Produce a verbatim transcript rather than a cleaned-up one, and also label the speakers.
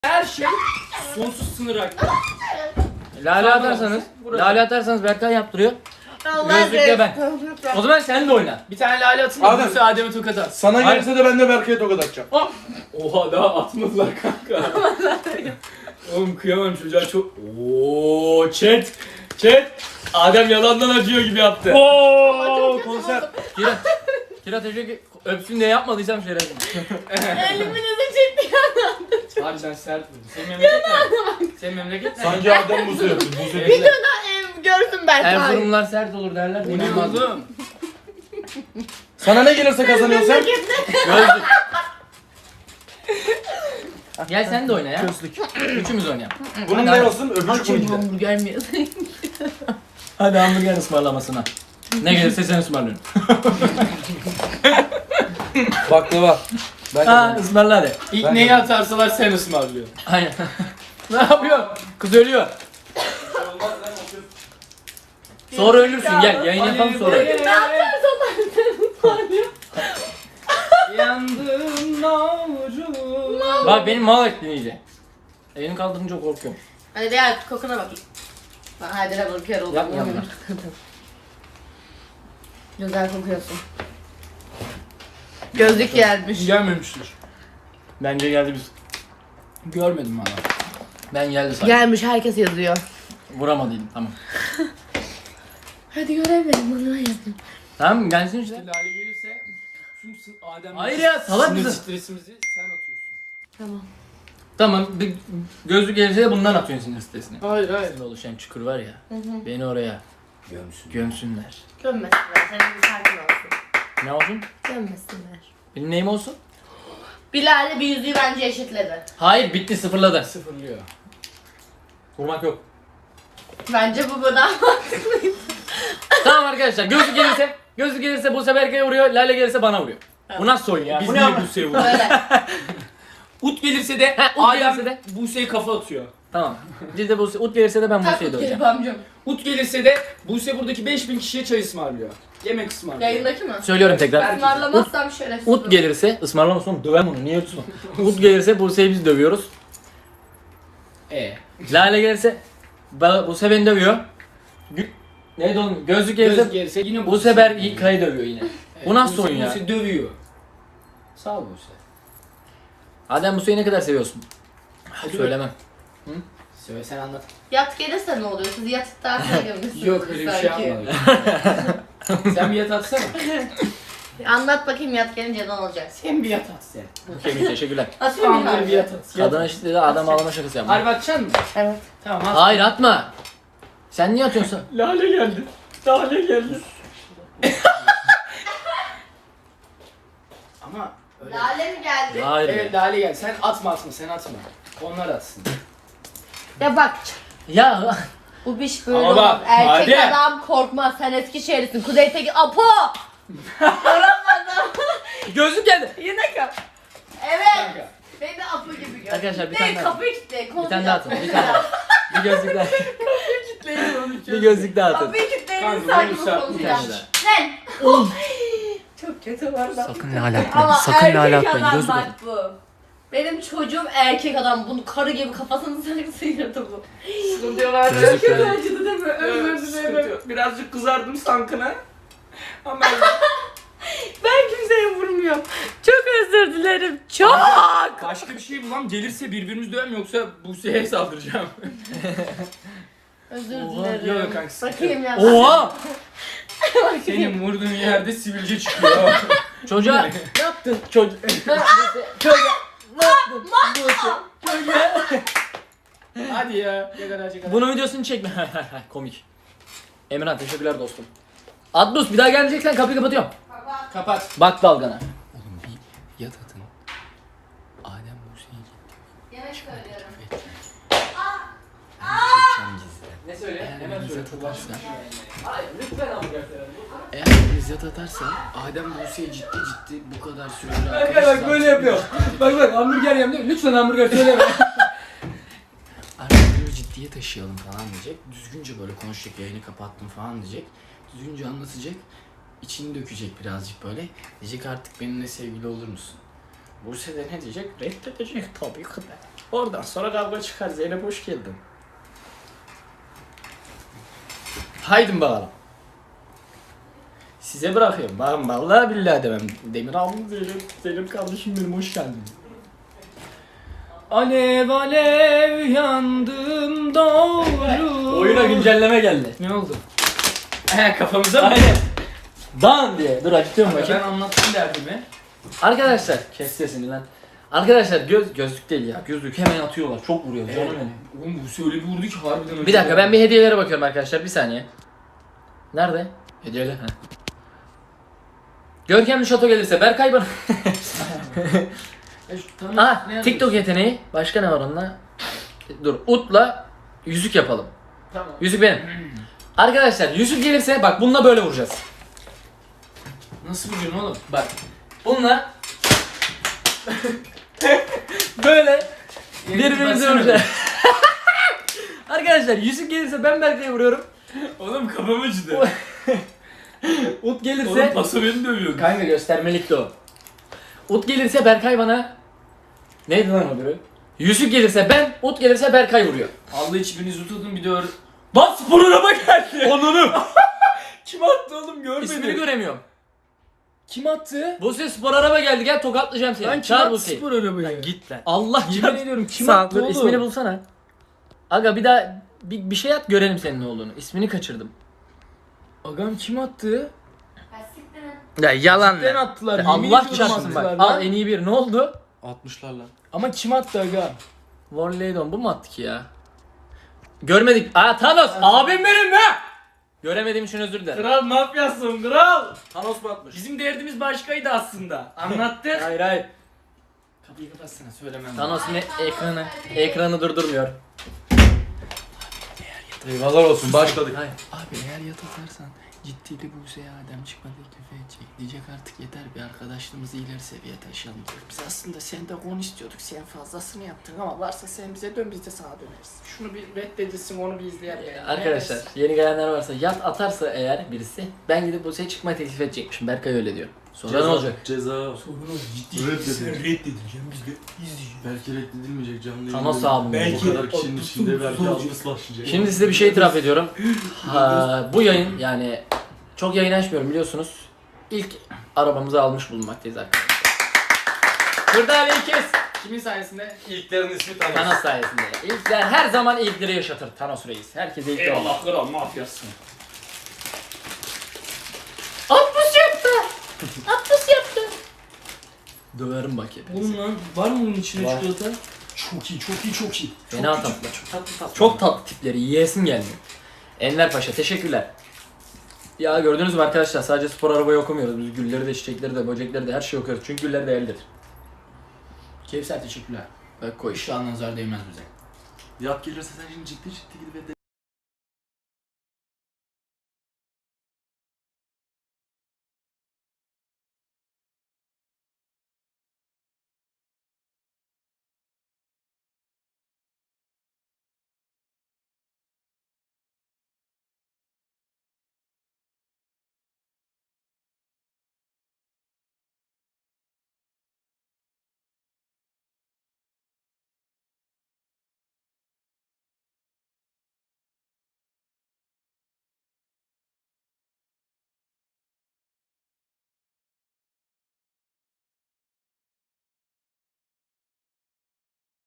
Speaker 1: Her şey sonsuz sınır hakkı.
Speaker 2: Lale atarsanız, lale atarsanız Berkay yaptırıyor.
Speaker 3: Allah
Speaker 2: Gözlükle ben. O zaman sen de oyna.
Speaker 1: Bir tane lale atın da
Speaker 4: Adem.
Speaker 1: Buse Adem'e tokat at.
Speaker 4: Sana
Speaker 2: Hayır.
Speaker 4: gelirse de ben de Berkay'a tokat atacağım.
Speaker 1: Oha daha atmadılar kanka. Oğlum kıyamam çocuğa çok... Ooo chat. Chat. Adem yalandan acıyor gibi yaptı.
Speaker 4: Ooo konser.
Speaker 2: Kira, Kira teşekkür öpsün diye yapmadıysam şerefim.
Speaker 3: Eliminizi çekti yandan.
Speaker 1: Harbiden sert vurdu. Senin memleket ne? Senin memleket ne?
Speaker 4: Sanki Adem Buse yapıyor. Buse
Speaker 3: Bir
Speaker 4: değil.
Speaker 3: dönem ev görsün ben.
Speaker 2: Erzurumlar sert olur derler.
Speaker 1: Bu ne oğlum?
Speaker 4: Sana ne gelirse kazanıyorsun sen.
Speaker 2: Gözlük. Gel sen de oyna ya. Gözlük. Üçümüz oynayalım.
Speaker 4: Bunun
Speaker 2: Hadi,
Speaker 4: ne
Speaker 2: hadi.
Speaker 4: olsun? Öbürcük
Speaker 3: Açın
Speaker 4: bunun.
Speaker 3: hamburger mi yazayım?
Speaker 2: Hadi hamburger ısmarlamasına. Ne gelirse sen ısmarlıyorsun.
Speaker 4: Baklava. Ben
Speaker 2: Ha
Speaker 4: kazandım.
Speaker 2: ısmarla hadi.
Speaker 1: İlk
Speaker 4: Ben
Speaker 1: neyi
Speaker 4: de-
Speaker 1: atarsalar sen ısmarlıyorsun.
Speaker 2: Aynen. Ne yapıyor? Kız ölüyor. Sonra ölürsün gel yayın yapalım sonra.
Speaker 3: Ne yaparsan ben seni ısmarlıyorum.
Speaker 1: Yandım navrum.
Speaker 2: Bak benim mal ettin iyice. Elini kaldırınca korkuyorum.
Speaker 3: Hadi gel kokuna bakayım. Ben hadi de bakıyor oldum.
Speaker 2: Yapma, yapma.
Speaker 3: Güzel kokuyorsun. Gözlük gelmiş.
Speaker 1: Gelmemiştir.
Speaker 2: Bence geldi biz.
Speaker 1: Görmedim valla.
Speaker 2: Ben geldi sanki.
Speaker 3: Gelmiş herkes yazıyor.
Speaker 2: Vuramadıydım tamam.
Speaker 3: Hadi göremedim bana yazın.
Speaker 2: Tamam gelsin işte.
Speaker 1: Lale gelirse tüm sın Adem
Speaker 2: Hayır ya, salak
Speaker 1: sinir
Speaker 2: mısın?
Speaker 1: stresimizi sen atıyorsun.
Speaker 3: Tamam.
Speaker 2: Tamam bir gözlük gelirse de bundan atıyorsun sinir stresini.
Speaker 1: Hayır hayır.
Speaker 2: Şimdi oluşan çukur var ya.
Speaker 3: Hı hı.
Speaker 2: Beni oraya
Speaker 1: Gömsün.
Speaker 2: gömsünler.
Speaker 3: Gömmesinler. Senin bir sakin olsun.
Speaker 2: Ne olsun?
Speaker 3: Gömmesinler.
Speaker 2: Benim neyim olsun?
Speaker 3: Bilal'le bir yüzüğü bence eşitledi.
Speaker 2: Hayır bitti sıfırladı.
Speaker 1: Sıfırlıyor.
Speaker 2: Vurmak yok.
Speaker 3: Bence bu kadar mantıklıydı.
Speaker 2: Tamam arkadaşlar gözlük gelirse gözlük gelirse bu sefer Berkay'a vuruyor. Lale gelirse bana vuruyor. Bu nasıl oyun ya?
Speaker 1: Biz
Speaker 2: Bu ne
Speaker 1: niye
Speaker 2: ama?
Speaker 1: Buse'ye vuruyoruz?
Speaker 3: Böyle.
Speaker 1: Ut gelirse de
Speaker 2: Ha, Ut
Speaker 1: Adem
Speaker 2: gelirse de.
Speaker 1: Buse'ye kafa atıyor.
Speaker 2: Tamam. Biz de bu ut gelirse de ben Buse'yi
Speaker 3: Taklit
Speaker 2: döveceğim.
Speaker 3: gelip amcam.
Speaker 1: Ut gelirse de Buse buradaki beş bin kişiye çay ısmarlıyor. Yemek ısmarlıyor.
Speaker 3: Yayındaki mi?
Speaker 2: Söylüyorum tekrar.
Speaker 3: Ismarlamazsam şerefsiz.
Speaker 2: Ut gelirse ısmarlamasın oğlum döver bunu niye utsun? Ut gelirse Buse'yi biz dövüyoruz.
Speaker 1: E.
Speaker 2: Lale gelirse ba- Buse beni dövüyor. Gü- Neydi oğlum? Gözlük gelirse
Speaker 1: Göz gelirse yine
Speaker 2: bu sefer İlkay'ı dövüyor yine.
Speaker 1: Evet,
Speaker 2: Bu nasıl
Speaker 1: Buse-
Speaker 2: oyun ya?
Speaker 1: Buse dövüyor. Sağ ol Buse.
Speaker 2: Adem Buse'yi ne kadar seviyorsun?
Speaker 1: Hadi
Speaker 2: Söylemem.
Speaker 1: Söyle sen anlat.
Speaker 3: Yat gelirse ne oluyor? Siz yatıktan sonra gömüyorsunuz.
Speaker 1: Yok öyle bir şey yapmadık. Sen bir yat atsana.
Speaker 3: Anlat bakayım yat gelince ne olacak?
Speaker 1: Sen bir yat at sen.
Speaker 2: Okey teşekkürler.
Speaker 3: Atayım mı
Speaker 1: Tamam böyle bir yat at. Yat.
Speaker 2: Kadına işte dedi adam ağlama şakası yapma.
Speaker 1: Harbi atacaksın mı?
Speaker 3: Evet.
Speaker 1: Tamam at.
Speaker 2: Hayır atma. Sen niye atıyorsun?
Speaker 1: Lale geldi. Lale geldi. Ama öyle.
Speaker 3: Lale mi geldi?
Speaker 2: Hayır.
Speaker 1: Evet Lale geldi. Sen atma atma sen atma. Onlar atsın.
Speaker 3: Ya bak.
Speaker 2: Ya
Speaker 3: Bu biş böyle
Speaker 1: Ama
Speaker 3: olur.
Speaker 1: bak,
Speaker 3: Erkek
Speaker 1: hadi.
Speaker 3: adam korkmaz. Sen Eskişehirlisin. Kuzey Tekin. Apo! Yoramadım.
Speaker 2: gözlük geldi.
Speaker 3: Yine kap. Evet.
Speaker 1: Kanka.
Speaker 3: Beni de Apo gibi gör.
Speaker 2: Arkadaşlar bir
Speaker 3: Ne,
Speaker 2: tane daha.
Speaker 3: kapıyı kitle.
Speaker 2: Bir tane daha atın. Bir tane daha. Bir gözlük daha.
Speaker 3: Kitleyin onu.
Speaker 2: Bir gözlük daha atın.
Speaker 3: Kapıyı kitleyin.
Speaker 1: Kanka,
Speaker 3: Sanki bu
Speaker 1: bunu sen-
Speaker 3: konuşacağım.
Speaker 2: Bir tane
Speaker 3: Lan. Çok kötü var da.
Speaker 2: Sakın lale
Speaker 3: Ama
Speaker 2: atmayın. Sakın lale
Speaker 3: erkek
Speaker 2: atmayın.
Speaker 3: adam
Speaker 2: Gözlük
Speaker 3: bak
Speaker 2: atın.
Speaker 3: bu. Benim çocuğum erkek adam. Bunu karı gibi kafasını sarıp sıyırdı bu.
Speaker 1: Sıkıntı diyorlar.
Speaker 2: Gözlük
Speaker 3: Çok
Speaker 2: geldi.
Speaker 3: acıdı değil mi? Özür dilerim.
Speaker 1: Birazcık kızardım sankına. Ama
Speaker 3: Ben kimseye vurmuyorum. Çok özür dilerim. Çok.
Speaker 1: başka bir şey bulam gelirse birbirimizi dövem yoksa Buse'ye saldıracağım.
Speaker 3: Özür
Speaker 1: Oha,
Speaker 3: dilerim.
Speaker 1: yok kanka, sıkıntı
Speaker 3: Bakayım ya.
Speaker 2: Oha!
Speaker 1: Senin vurduğun yerde sivilce çıkıyor.
Speaker 2: Çocuğa ne yaptın? Çocuk. Çocuğa ne yaptın? Çocuğa.
Speaker 1: Hadi ya. Ne kadar ne kadar.
Speaker 2: Bunun videosunu çekme. Komik. Emirhan teşekkürler dostum. Adnus bir daha gelmeyeceksen kapıyı kapatıyorum.
Speaker 1: Kapat.
Speaker 2: Bak dalgana. Oğlum bir yat atın. Adem Buse'yi
Speaker 3: Yemek söylüyorum.
Speaker 2: Ne söyle?
Speaker 1: Hemen söyle.
Speaker 2: Hayır lütfen hamburger
Speaker 1: Eğer biriniz yat atarsa Adem Buse'ye ciddi ciddi bu kadar süredir
Speaker 2: Bak bak böyle yapıyor. Bak bak hamburger yem diyor. Lütfen hamburger söyleme.
Speaker 1: Artık bunu ciddiye taşıyalım falan diyecek. Düzgünce böyle konuşacak, yayını kapattım falan diyecek. Düzgünce anlatacak. İçini dökecek birazcık böyle. Diyecek artık benimle sevgili olur musun? Buse de ne diyecek? Reddedecek tabii ki de. Oradan sonra kavga çıkar. Zeynep hoş geldin. Haydi bakalım. Size bırakıyorum. Ben vallahi billahi demem. Demir abim Zeynep, Zeynep kardeşim benim hoş geldin. Alev alev yandım doğru.
Speaker 2: Oyuna güncelleme geldi.
Speaker 1: Ne oldu? He kafamıza mı?
Speaker 2: Aynen. Dan diye. Dur açıyorum
Speaker 1: Ben
Speaker 2: bakayım.
Speaker 1: anlattım derdimi.
Speaker 2: Arkadaşlar kes sesini lan. Arkadaşlar göz gözlük değil ya. Gözlük hemen atıyorlar. Çok vuruyor canım benim.
Speaker 1: Oğlum bu öyle bir vurdu ki harbiden.
Speaker 2: Bir dakika ben bir hediyelere bakıyorum arkadaşlar. Bir saniye. Nerede? Hediyeler. Ha. Görkemli şato gelirse Berkay bana. Aa, TikTok yeteneği. Başka ne var onunla? Dur. Ut'la yüzük yapalım.
Speaker 1: Tamam.
Speaker 2: Yüzük benim. Arkadaşlar yüzük gelirse bak bununla böyle vuracağız.
Speaker 1: Nasıl vuruyorsun oğlum?
Speaker 2: Bak. Bununla böyle birbirimize
Speaker 1: baksana
Speaker 2: vuracağız. Arkadaşlar yüzük gelirse ben Berkay'a vuruyorum.
Speaker 1: Oğlum kafam acıdı.
Speaker 2: Ut gelirse
Speaker 1: Oğlum paso beni dövüyor.
Speaker 2: kanka göstermelikti o. Ut gelirse Berkay bana neydi lan o biri? Yüzük gelirse ben, Ut gelirse Berkay vuruyor.
Speaker 1: Allah hiçbirinizi tutun bir de öyle.
Speaker 2: Lan spor araba geldi.
Speaker 1: Onunu. Kim attı oğlum görmedim.
Speaker 2: İsmini göremiyorum.
Speaker 1: Kim attı?
Speaker 2: Buse spor araba geldi gel tokatlayacağım seni.
Speaker 1: Lan kim
Speaker 2: Çağır
Speaker 1: attı
Speaker 2: Buse'yi.
Speaker 1: spor arabayı?
Speaker 2: Git lan. Allah
Speaker 1: Yemin
Speaker 2: çarpsın.
Speaker 1: ediyorum kim
Speaker 2: Sağ-
Speaker 1: attı
Speaker 2: dur,
Speaker 1: oğlum?
Speaker 2: ismini bulsana. Aga bir daha bir, bir şey at görelim senin ne olduğunu. İsmini kaçırdım.
Speaker 1: Agam kim attı?
Speaker 2: Ya yalan
Speaker 1: Cidden attılar. yemin
Speaker 2: Allah
Speaker 1: ediyorum
Speaker 2: çarpsın bak.
Speaker 1: attılar
Speaker 2: Al
Speaker 1: lan.
Speaker 2: en iyi bir ne oldu?
Speaker 4: altmışlarla.
Speaker 1: Ama kim attı aga?
Speaker 2: Warleydon bu mu attık ya? Görmedik. Aa Thanos abim benim be. Göremediğim için özür dilerim.
Speaker 1: Kral mafyasın kral.
Speaker 2: Thanos mu atmış?
Speaker 1: Bizim derdimiz başkaydı aslında. Anlattık.
Speaker 2: Hayır hayır.
Speaker 1: Kapıyı kapatsana söylemem.
Speaker 2: Thanos yine ekranı ekranı durdurmuyor.
Speaker 4: Eyvallah olsun başladık.
Speaker 2: Hayır.
Speaker 1: Abi eğer yat atarsan ciddi bir Buse'ye Adem çıkma teklifi edecek. Diyecek artık yeter bir arkadaşlığımızı ileri seviyeye taşıyalım diyor. Biz aslında senden on istiyorduk. Sen fazlasını yaptın ama varsa sen bize dön biz de sana döneriz. Şunu bir reddedilsin onu bir izleyelim.
Speaker 2: Arkadaşlar yeni gelenler varsa yat atarsa eğer birisi ben gidip Buse'ye çıkma teklif edecekmişim. Berkay öyle diyor. Sonra ne olacak?
Speaker 4: Ceza.
Speaker 1: Sorun o ciddi.
Speaker 4: Reddedin.
Speaker 1: Sen reddedileceğim biz de izleyeceğiz.
Speaker 4: Belki reddedilmeyecek canlı yayın.
Speaker 2: Thanos abim.
Speaker 1: Belki-
Speaker 4: Bu kadar kişinin
Speaker 1: Belki-
Speaker 4: içinde belki
Speaker 1: Belki-
Speaker 4: algısı başlayacak.
Speaker 2: Şimdi size bir şey itiraf ediyorum. Ha, bu yayın yani çok yayın açmıyorum biliyorsunuz. İlk arabamızı almış bulunmaktayız arkadaşlar. Kırdaliye kes.
Speaker 1: Kimin sayesinde?
Speaker 4: İlklerin ismi Thanos.
Speaker 2: Thanos sayesinde. İlkler her zaman ilkleri yaşatır Thanos Reis. Herkese ilkler olur.
Speaker 1: Eyvallah kral mafyasın.
Speaker 3: Atmış yaptı. Atmış yaptı.
Speaker 2: Döverim bak hepinizi.
Speaker 1: Oğlum lan var mı bunun içinde
Speaker 2: Var.
Speaker 1: çikolata? Çok iyi çok iyi çok iyi. Çok
Speaker 2: Fena
Speaker 1: iyi,
Speaker 2: tatlı.
Speaker 1: Çok tatlı tatlı.
Speaker 2: Çok tatlı tipleri. Yiyesim geldi. Enver Paşa teşekkürler. Ya gördünüz mü arkadaşlar sadece spor arabayı okumuyoruz. Biz gülleri de çiçekleri de böcekleri de her şeyi okuyoruz. Çünkü güller değerlidir.
Speaker 1: Kevser teşekkürler.
Speaker 2: Bak koy.
Speaker 1: İnşallah nazar değmez bize.
Speaker 4: Yat gelirse sen şimdi ciddi ciddi gidip